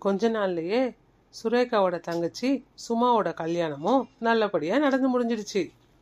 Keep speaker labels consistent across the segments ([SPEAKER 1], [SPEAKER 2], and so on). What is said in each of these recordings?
[SPEAKER 1] கொஞ்ச நாள்லயே சுரேகாவோட தங்கச்சி சுமாவோட கல்யாணமும் நல்லபடியா நடந்து முடிஞ்சிடுச்சு.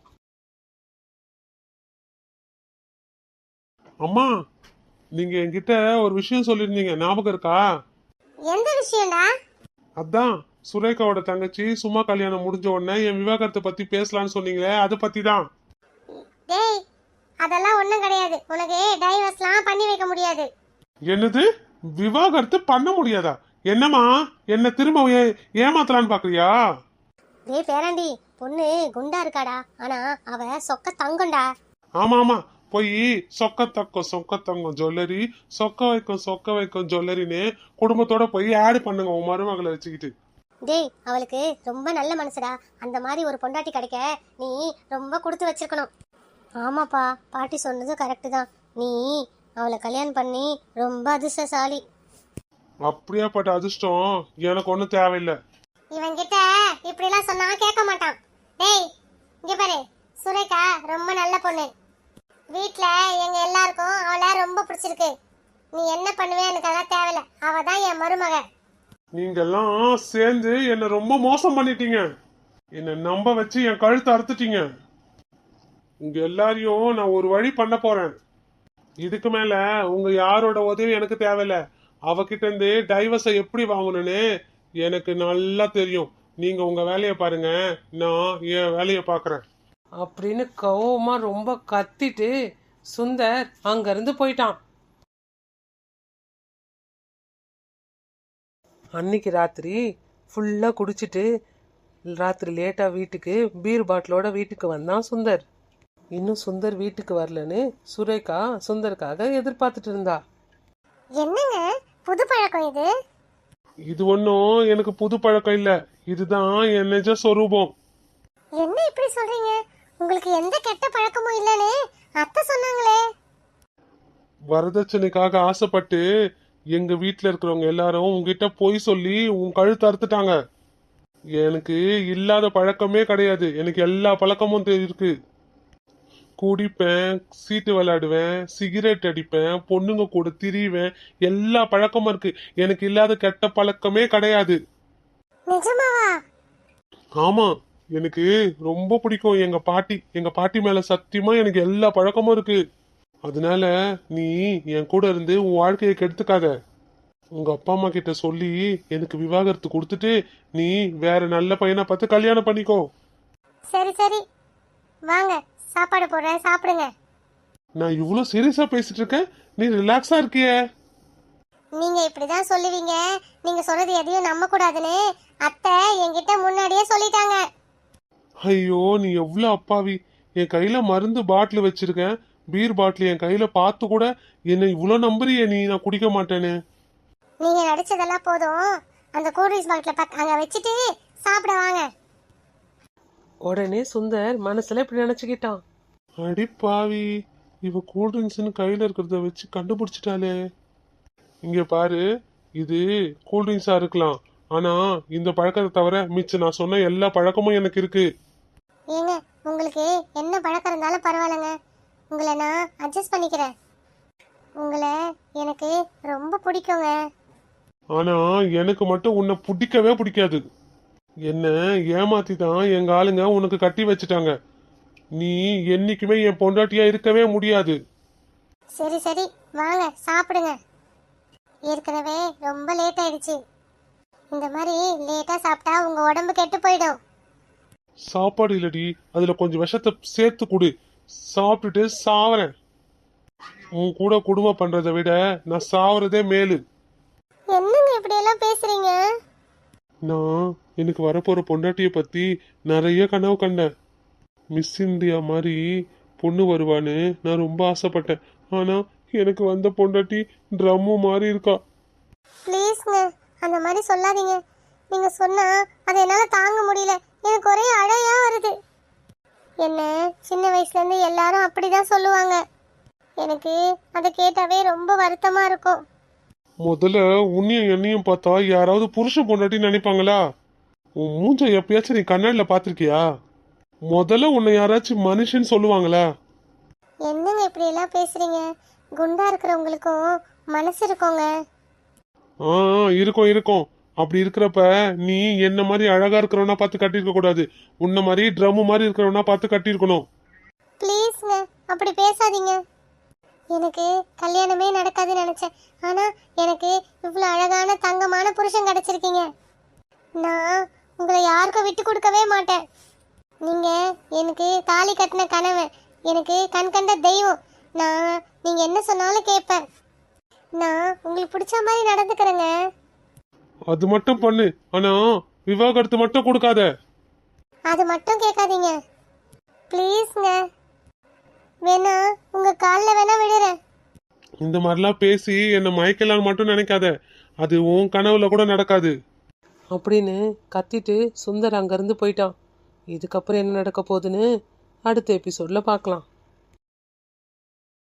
[SPEAKER 2] அம்மா, நீங்க என்கிட்ட ஒரு விஷயம் சொல்லிருந்தீங்க, ஞாபகம் இருக்கா?
[SPEAKER 3] எந்த விஷயம்டா?
[SPEAKER 2] அதான் சுரேகாவோட தங்கச்சி சும்மா கல்யாணம் முடிஞ்ச உடனே என் விவாகரத்தை பத்தி பேசலாம்னு சொன்னீங்களே, அதை பத்தி தான்.
[SPEAKER 3] டேய், அதெல்லாம் ஒண்ணும் கிடையாது. உனக்கு டைவர்ஸ்லாம் பண்ணி வைக்க முடியாது.
[SPEAKER 2] என்னது? விவாகரத்து பண்ண முடியாதா? என்னம்மா, என்ன திரும்ப ஏமாத்தலான்னு பாக்குறியா?
[SPEAKER 3] டேய் பேராண்டி, பொண்ணு குண்டா இருக்காடா, ஆனா அவ சொக்க தங்கம்டா.
[SPEAKER 2] ஆமா ஆமா, போய் சொக்க தங்கம் ஜுவல்லரி, சொக்க வைக்கும் ஜுவல்லரின்னு குடும்பத்தோட போய் ஆட் பண்ணுங்க உன் மருமகளை வச்சுக்கிட்டு.
[SPEAKER 3] டேய், அவளுக்கு ரொம்ப நல்ல மனசுடா. அந்த மாதிரி ஒரு பொண்டாட்டி கிடைக்க நீ ரொம்ப கொடுத்து வச்சிருக்கணும். ஆமாப்பா, பாட்டி சொன்னது கரெக்டு தான். நீ அவளை கல்யாணம் பண்ணி ரொம்ப அதிர்ஷ்டசாலி.
[SPEAKER 2] அப்படியாப்பட்ட அதிர்ஷ்டம் எனக்கு ஒன்றும் தேவையில்லை.
[SPEAKER 3] இவன் கிட்ட இப்படிலாம் சொன்னா கேட்க மாட்டான். டேய், இங்க பாரு, சுரேகா ரொம்ப நல்ல பொண்ணு. வீட்ல எங்க எல்லாருக்கும் அவளை ரொம்ப பிடிச்சிருக்கு. நீ என்ன பண்ணுவே எனக்கு அதெல்லாம் தேவையில்ல. அவ தான் என் மருமக.
[SPEAKER 2] நீங்க எல்லாம் சேர்ந்து என்ன ரொம்ப மோசம் பண்ணிட்டீங்க. என்ன நம்ப வச்சு என் கழுத்தை அறுத்துட்டீங்க. உங்க எல்லாரையும் நான் ஒரு வழி பண்ண போறேன். இதுக்கு மேல உங்க யாரோட உதவி எனக்கு தேவையில்ல. அவகிட்ட இருந்து டைவர்ஸை எப்படி வாங்கணும்னு எனக்கு நல்லா தெரியும். நீங்க உங்க வேலையை பாருங்க, நான் என் வேலையை பாக்குறேன்
[SPEAKER 1] அப்படின்னு கோவமா ரொம்ப கத்திட்டு சுந்தர் அங்கிருந்து போயிட்டான். அன்னைக்கு ராத்திரி ஃபுல்லா குடிச்சிட்டு ராத்திரி லேட்டா வீட்டுக்கு பீர் பாட்டிலோட வீட்டுக்கு வந்தான் சுந்தர். இன்னும் சுந்தர் வீட்டுக்கு வரலன்னு சுரேகா சுந்தருக்காக எதிர்பார்த்துட்டு இருந்தா.
[SPEAKER 3] என்னங்க புது பழக்கம் இது?
[SPEAKER 2] இது ஒன்னும் எனக்கு புது பழக்கம் இல்ல, இதுதான் என் நிஜ சொரூபம்.
[SPEAKER 3] என்ன இப்படி சொல்றீங்க? உங்களுக்கு எந்த கெட்ட பழக்கமும் இல்லன்னு அத்தை சொன்னாங்களே.
[SPEAKER 2] வரதட்சணைக்காக ஆசைப்பட்டு எங்க வீட்டுல இருக்கிறவங்க எல்லாரும் உங்ககிட்ட பொய் சொல்லி உன் கழுத்து அறுத்துட்டாங்க. எனக்கு இல்லாத பழக்கமே கிடையாது. எனக்கு எல்லா பழக்கமும் இருக்கு. குடிப்பேன், சீட்டு விளையாடுவேன், சிகரெட் அடிப்பேன், பொண்ணுங்க கூட திரிவேன், எல்லா பழக்கமும் இருக்கு. எனக்கு இல்லாத கெட்ட பழக்கமே கிடையாது.
[SPEAKER 3] நிஜமாவா?
[SPEAKER 2] ஆமா, எனக்கு ரொம்ப பிடிக்கும் எங்க பாட்டி மேல சத்தியமா எனக்கு எல்லா பழக்கமும் இருக்கு. அதனால நீ என் கூட இருந்து உன் வாழ்க்கையை கெடுத்துக்காத. உங்க அப்பா அம்மா கிட்ட சொல்லி எனக்கு விவாகரத்து கொடுத்துட்டு நீ வேற நல்ல பையனை பார்த்து கல்யாணம் பண்ணிக்கோ.
[SPEAKER 3] சரி சரி, வாங்க சாப்பாடு போடுறேன், சாப்பிடுங்க.
[SPEAKER 2] நான் இவ்வளவு சீரியஸா பேசிட்டு இருக்கேன், நீ ரிலாக்ஸா இருக்கியே.
[SPEAKER 3] நீங்க இப்படிதான் சொல்லுவீங்க, நீங்க சொல்றது எதையும் நம்ப கூடாதுன்னு அத்தை என்கிட்ட முன்னாடியே சொல்லிட்டாங்க.
[SPEAKER 2] ஐயோ, நீ எவ்வளவு அப்பாவி. என் கையில மருந்து பாட்டில் வச்சிருக்கேன், பீர் பாட்டில் என் கையில பார்த்து கூட என்ன இவ்வளவு நம்புறிய நீ நான் குடிக்க மாட்டேன்னு.
[SPEAKER 3] நீங்க நடிச்சதெல்லாம் போதும், அந்த கூல்ட்ரிங்க்ஸ் பாட்டில அங்க வச்சுட்டு சாப்பிட வாங்க.
[SPEAKER 1] உடனே சுந்தர் மனசுல இப்படி நினைச்சுக்கிட்டான்.
[SPEAKER 2] அடி பாவி, இவ கூல்ட்ரிங்க்ஸ்னு கையில இருக்கிறத வச்சு கண்டுபிடிச்சிட்டாலே. இங்க பாரு, இது கூல்ட்ரிங்க்ஸா இருக்கலாம், ஆனா இந்த பழக்கத்தை தவிர மிச்சம் நான் சொன்ன எல்லா பழக்கமும் எனக்கு இருக்கு.
[SPEAKER 3] ஏங்க, உங்களுக்கு என்ன பழக்கம் இருந்தாலும் பரவாயில்லைங்க, உங்களை நான் அட்ஜஸ்ட் பண்ணிக்கிறேன். உங்களை எனக்கு ரொம்ப பிடிக்குங்க.
[SPEAKER 2] ஆனா எனக்கு மட்டும் உன்னை பிடிக்கவே பிடிக்காது. என்ன ஏமாத்தி தான் எங்க ஆளுங்க உனக்கு கட்டி வச்சுட்டாங்க. நீ என்னைக்குமே என் பொண்டாட்டியா இருக்கவே முடியாது.
[SPEAKER 3] சரி சரி, வாங்க சாப்பிடுங்க. ஏற்கனவே ரொம்ப லேட் ஆயிடுச்சு. இந்த மாதிரி லேட்டா சாப்பிட்டா உங்க உடம்பு கெட்டு போயிடும்.
[SPEAKER 2] சாப்பாடு இல்லடி, அதுல கொஞ்சம் விஷத்தை சேர்த்து கொடு, சாப்பிட்டுட்டு சாவறேன். உன் கூட குடும்பம் பண்றதை விட நான் சாவறதே மேலு.
[SPEAKER 3] என்னங்க இப்படி எல்லாம் பேசுறீங்க?
[SPEAKER 2] நான் எனக்கு வரப்போற பொண்டாட்டிய பத்தி நிறைய கனவு கண்டேன். மிஸ் இந்தியா மாதிரி பொண்ணு வருவான்னு நான் ரொம்ப ஆசைப்பட்டேன். ஆனா எனக்கு வந்த பொண்டாட்டி ட்ரம்மு மாதிரி இருக்கா.
[SPEAKER 3] ப்ளீஸ்ங்க, அந்த மாதிரி சொல்லாதீங்க. நீங்க சொன்னா அதை என்னால தாங்க முடியல. எனக்கு ஒரே அழையா வருது. என்ன சின்ன வயசுல இருந்து எல்லாரும் அப்படிதான் சொல்லுவாங்க. எனக்கு அதை கேட்டாவே ரொம்ப வருத்தமா இருக்கும்.
[SPEAKER 2] முதல்ல உன்னையும் என்னையும் பார்த்தா யாராவது புருஷன் பொண்டாட்டி நினைப்பாங்களா? உன் மூஞ்ச எப்பயாச்சும் நீ கண்ணாடில பாத்திருக்கியா? முதல்ல உன்னை யாராச்சும் மனுஷன் சொல்லுவாங்களா?
[SPEAKER 3] என்னங்க இப்படி எல்லாம் பேசுறீங்க? குண்டா இருக்கிறவங்களுக்கும் மனசு இருக்குங்க.
[SPEAKER 2] இருக்கும் இருக்கும். அப்படி இருக்கிறப்ப நீ என்ன மாதிரி அழகா இருக்கிறவனா பார்த்து கட்டியிருக்க கூடாது, உன்ன மாதிரி ட்ரம் மாதிரி இருக்கிறவனா பார்த்து கட்டியிருக்கணும்.
[SPEAKER 3] ப்ளீஸ்ங்க அப்படி பேசாதீங்க. எனக்கு கல்யாணமே நடக்காதுன்னு நினைச்சேன். ஆனா எனக்கு இவ்வளோ அழகான தங்கமான புருஷன் கிடைச்சிருக்கீங்க. நான் உங்களை யாருக்கும் விட்டு கொடுக்கவே மாட்டேன். நீங்க எனக்கு தாலி கட்டின கனவு, எனக்கு கண் கண்ட தெய்வம். நீங்க என்ன சொன்னாலும் கேட்பேன். நான் உங்களுக்கு பிடிச்ச மாதிரி நடந்துக்கிறேங்க.
[SPEAKER 2] அது மட்டும் பண்ணு, ஆனா விவாகரத்து மட்டும் கொடுக்காத.
[SPEAKER 3] அது மட்டும் கேட்காதீங்க ப்ளீஸ்ங்க. வேணா உங்க காலில் வேணா விடுறேன்.
[SPEAKER 2] இந்த மாதிரிலாம் பேசி என்னை மயக்கலான்னு மட்டும் நினைக்காத, அது உன் கனவுல கூட நடக்காது.
[SPEAKER 1] அப்படின்னு கத்திட்டு சுந்தர் அங்கேருந்து போயிட்டான். இதுக்கப்புறம் என்ன நடக்க போகுதுன்னு அடுத்த எபிசோடில் பார்க்கலாம்.